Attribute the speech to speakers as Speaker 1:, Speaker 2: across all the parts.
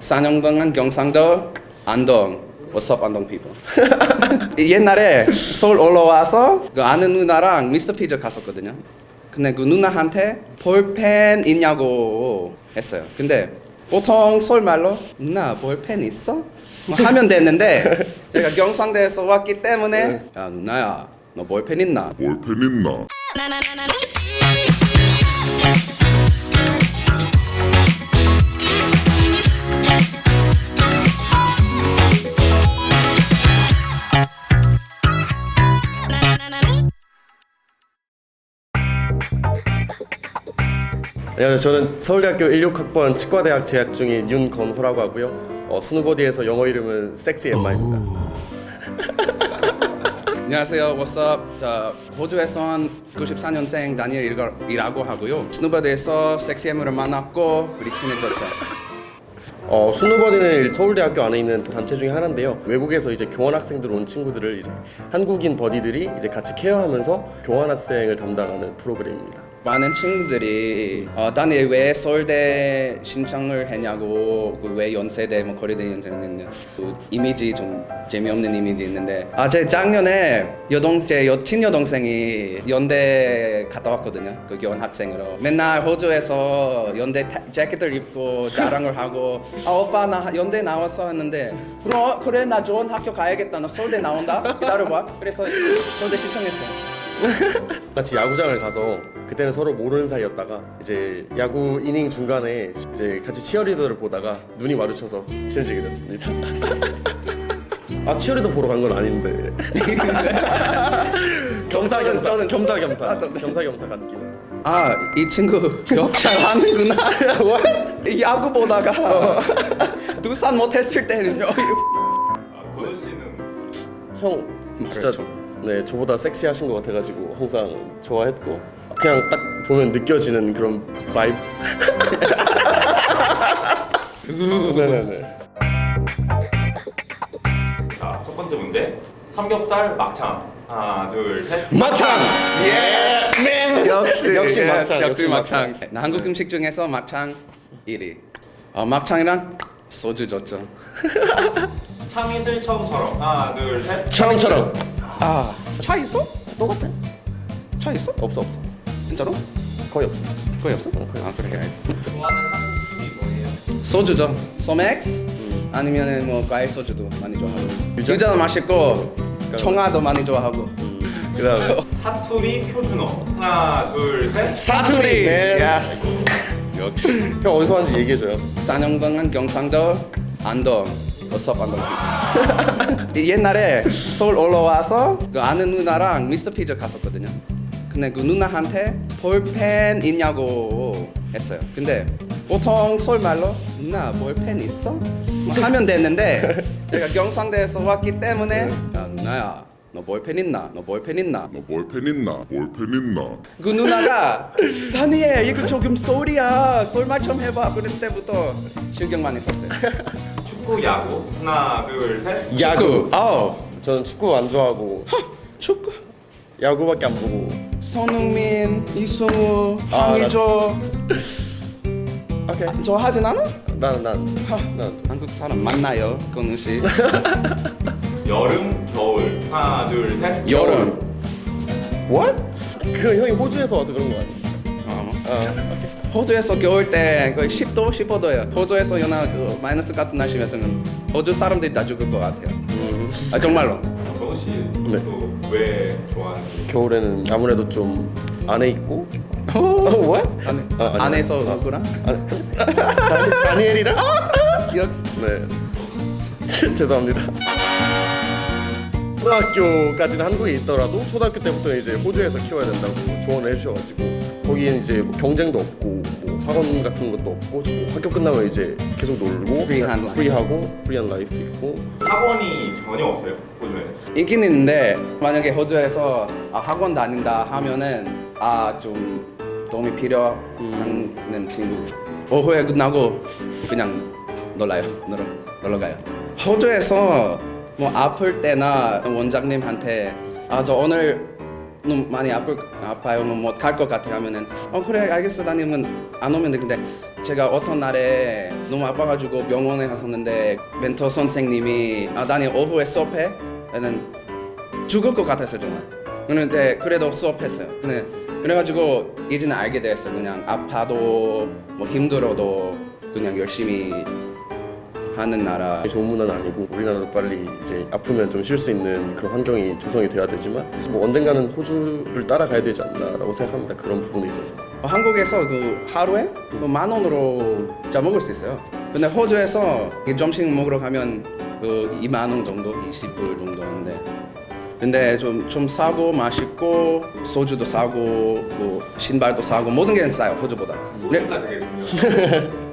Speaker 1: 4년 동안 경상도 안동. What's up 안동 people? 옛날에 서울 올라와서 그 아는 누나랑 미스터 피자 갔었거든요. 근데 그 누나한테 볼펜 있냐고 했어요. 근데 보통 서울 말로 누나 볼펜 있어? 뭐 하면 됐는데 제가 경상도에서 왔기 때문에 야 누나야 너 볼펜 있나?
Speaker 2: 볼펜 있나?
Speaker 3: 안녕하세요. 저는 서울대학교 16학번 치과대학 재학 중인 윤건호라고 하고요. 스누보디에서 영어 이름은 섹시 엠마입니다.
Speaker 1: 안녕하세요. What's up? 저 호주에서 온 94년생 다니엘이라고 하고요. 스누버드에서 섹시엠을 만났고 우리 친해졌죠.
Speaker 3: 스누버디는 서울대학교 안에 있는 단체 중에 하나인데요. 외국에서 이제 교환학생들 온 친구들을 이제 한국인 버디들이 이제 같이 케어하면서 교환학생을 담당하는 프로그램입니다.
Speaker 1: 많은 친구들이 다니엘 왜 서울대 신청을 했냐고 그 왜 연세대 뭐 거리대 연세대냐 그 이미지 좀 재미없는 이미지 있는데 제 작년에 제 여친 여동생이 연대 갔다 왔거든요. 그 교환학생으로 맨날 호주에서 연대 재킷을 입고 자랑을 하고 오빠 나 연대 나왔어 했는데 그래 나 좋은 학교 가야겠다 나 서울대 나온다 기다려봐 그래서 서울대 신청했어요.
Speaker 3: 같이 야구장을 가서 그때는 서로 모르는 사이였다가 이제 야구 이닝 중간에 이제 같이 치어리더를 보다가 눈이 마주쳐서 친해지게 됐습니다. 치어리더 보러 간 건 아닌데 겸사겸사 겸사겸사 간 길.
Speaker 1: 이 친구 욕 잘하는구나. 야구 보다가 두산 못했을 때는요.
Speaker 4: 건우 씨는
Speaker 3: 형 진짜
Speaker 1: 그렇죠.
Speaker 3: 네 저보다 섹시하신 것 같아가지고 항상 좋아했고 그냥 딱 보면 느껴지는 그런 바이브. 네네네.
Speaker 4: 자, 첫 번째 문제. 삼겹살 막창. 하나, 둘, 셋.
Speaker 3: 막창.
Speaker 1: 역시
Speaker 3: 역시 막창,
Speaker 1: 역시
Speaker 3: 역시
Speaker 1: 막창.
Speaker 3: 막창.
Speaker 1: 한국 음식 중에서 막창 1위. 막창이랑 소주 좋죠.
Speaker 4: 참이슬청처럼. 하나, 둘, 셋.
Speaker 3: 처럼처럼.
Speaker 1: 차 있어? 똑같아. 차 있어? 없어. 진짜로? 거의 없어. 거의 없어? 그래 알겠어.
Speaker 4: 좋아하는 한국 술이 뭐예요?
Speaker 1: 소주죠. 소맥스 아니면은 뭐 과일 소주도 많이 좋아하고. 유자도 맛있고 청아도 많이 좋아하고.
Speaker 3: 그다음에
Speaker 4: 사투리 표준어. 하나, 둘, 셋.
Speaker 1: 사투리.
Speaker 3: 네.
Speaker 1: 예스. 역시.
Speaker 3: 형 어디서 왔는지 얘기해줘요.
Speaker 1: 4년 동안 경상도 안동. What's up 안동. 옛날에 서울 올라와서 그 아는 누나랑 미스터 피자 갔었거든요. 근데 그 누나한테 볼펜 있냐고 했어요. 근데 보통 서울 말로 누나 볼펜 있어? 뭐 하면 됐는데 제가 경상도에서 왔기 때문에 야 누나야 너 볼펜 있나? 너 볼펜 있나?
Speaker 2: 너 볼펜 있나? 볼펜 있나?
Speaker 1: 그 누나가 다니엘 이거 조금 소리야 서울말 좀 해봐. 그럴 때부터 신경 많이 썼어요.
Speaker 4: 축구, 야구. 하나, 둘, 셋.
Speaker 3: 야구.
Speaker 1: 축구.
Speaker 3: 저는 축구 안 좋아하고
Speaker 1: 축구.
Speaker 3: 야구밖에 안 보고.
Speaker 1: 손흥민, 이승우, 황의조.
Speaker 3: 오케이.
Speaker 1: 저 하진 않아?
Speaker 3: 난
Speaker 1: 한국 사람 맞나요, 건우 씨?
Speaker 4: 여름, 겨울. 하나, 둘, 셋.
Speaker 1: 여름.
Speaker 3: What? 그 형이 호주에서 와서 그런 거 아니야?
Speaker 1: 호주에서 겨울 때 거의 10도, 15도예요. 호주에서 연하 그 마이너스 같은 날씨면서는 호주 사람들이 다 죽을 것 같아요. 정말로.
Speaker 4: 건우 씨
Speaker 3: 네.
Speaker 4: 또 왜 좋아하는지.
Speaker 3: 겨울에는 아무래도 좀 안에 있고. What?
Speaker 1: 안에서 누구랑?
Speaker 3: 다니엘이랑?
Speaker 1: 역시.
Speaker 3: 네. 죄송합니다. 초등학교까지는 한국에 있더라도 초등학교 때부터 이제 호주에서 키워야 된다고 조언을 해주셔가지고 거기엔 이제 뭐 경쟁도 없고 뭐 학원 같은 것도 없고 뭐 학교 끝나면 이제 계속 놀고
Speaker 1: 프리한 라이프.
Speaker 3: 프리한 라이프 있고.
Speaker 4: 학원이 전혀 없어요, 호주에.
Speaker 1: 있긴 있는데 만약에 호주에서 학원 다닌다 하면은 좀 도움이 필요한 친구 오후에 끝나고 그냥 놀러 가요. 호주에서 뭐 아플 때나 원장님한테 저 오늘 너무 많이 아파요 못 갈 것 같아 하면은 그래 알겠어 다니면 안 오면 돼. 근데 제가 어떤 날에 너무 아파가지고 병원에 갔었는데 멘토 선생님이 나는 오후에 수업해? 나는 죽을 것 같았어요 정말. 그런데 그래도 수업했어요. 그래가지고 이제는 알게 됐어요. 그냥 아파도 뭐 힘들어도 그냥 열심히 하는 나라.
Speaker 3: 좋은 문화는 아니고 우리나라도 빨리 이제 아프면 좀 쉴 수 있는 그런 환경이 조성이 돼야 되지만 뭐 언젠가는 호주를 따라가야 되지 않나라고 생각합니다. 그런 부분에 있어서.
Speaker 1: 한국에서 그 하루에 10,000원으로 짜 먹을 수 있어요. 근데 호주에서 점심 먹으러 가면 그 20,000원 정도, 20불 정도 하는데 근데 좀 싸고 맛있고 소주도 싸고 뭐 신발도 싸고 모든 게 싸요 호주보다.
Speaker 4: 소주가 되게 중요해요.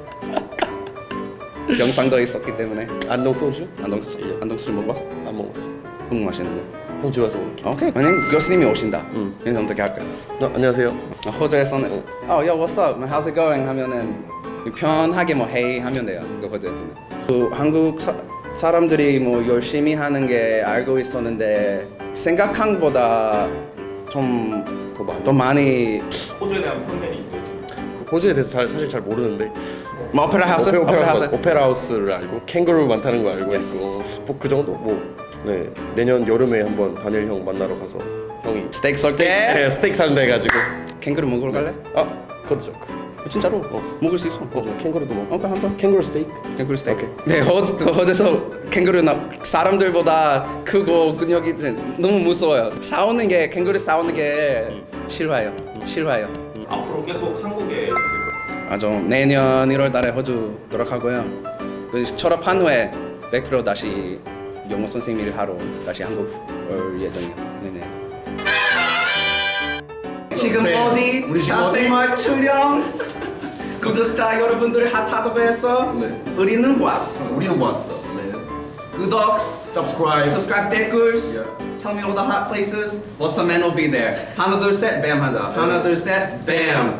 Speaker 1: 경상도에 있었기 때문에
Speaker 3: 안동 소주?
Speaker 1: 안동수 먹어봤어?
Speaker 3: 안 먹었어.
Speaker 1: 너무 맛있는데.
Speaker 3: 호주 와서 먹을게.
Speaker 1: 오케이. 만약 교수님이 오신다. 그래서 어떻게 할까요?
Speaker 3: 안녕하세요.
Speaker 1: 호주에서는 yo what's up, how's it going 하면은 편하게 뭐 hey 하면 돼요. 그 호주에서는. 그 한국 사람들이 뭐 열심히 하는 게 알고 있었는데 생각한 것보다 좀 더 많이
Speaker 4: 호주에 대한 편견이 있어요 지금.
Speaker 3: 호주에 대해서 사실 잘 모르는데
Speaker 1: 뭐 오페라 하우스?
Speaker 3: 오페라 하우스를 알고 캥거루 많다는 거 알고
Speaker 1: Yes.
Speaker 3: 있고 뭐 그 정도 네 내년 여름에 한번 다니엘 형 만나러 가서 형이
Speaker 1: 스테이크 썰게?
Speaker 3: 네, 스테이크 사는다 해가지고
Speaker 1: 캥거루 먹으러 갈래?
Speaker 3: 그것도 좋고
Speaker 1: 진짜로 먹을 수 있어.
Speaker 3: 캥거루도 먹고
Speaker 1: 오케이 한번.
Speaker 3: 캥거루 스테이크
Speaker 1: 캥거루 스테이크.
Speaker 3: 오케이.
Speaker 1: 네, 호주에서 캥거루는 사람들보다 크고 근육이 너무 무서워요. 싸우는 게 캥거루 싸우는 게 싫어요.
Speaker 4: 앞으로 계속 한국에 있을 거예요.
Speaker 1: 아주 내년 1월달에 호주 돌아가고요. 그 졸업한 후에 100% 다시 영어 선생님 일 하러 다시 한국 올 예정이에요. 네네. 지금 어디 사생활 출연 구독자 여러분들 핫하다고해서 우리는 왔어.
Speaker 5: 우리는 왔어. 네.
Speaker 1: 구독,
Speaker 5: Subscribe.
Speaker 1: 댓글. Tell me all the hot places. What's a man will be there. 하나 둘 셋, 뱀 하자. 하나 둘 셋, 뱀.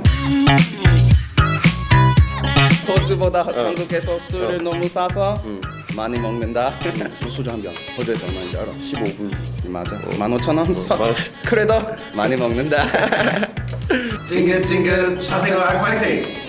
Speaker 1: 호주보다 한국에서 술을 너무 싸서 많이 먹는다. 소주 한 병. 호주에서 얼마인지 알아?
Speaker 3: 15불
Speaker 1: 맞아. 15,000원. 그래도 많이 먹는다. 찡긋찡긋 사생활 화이팅.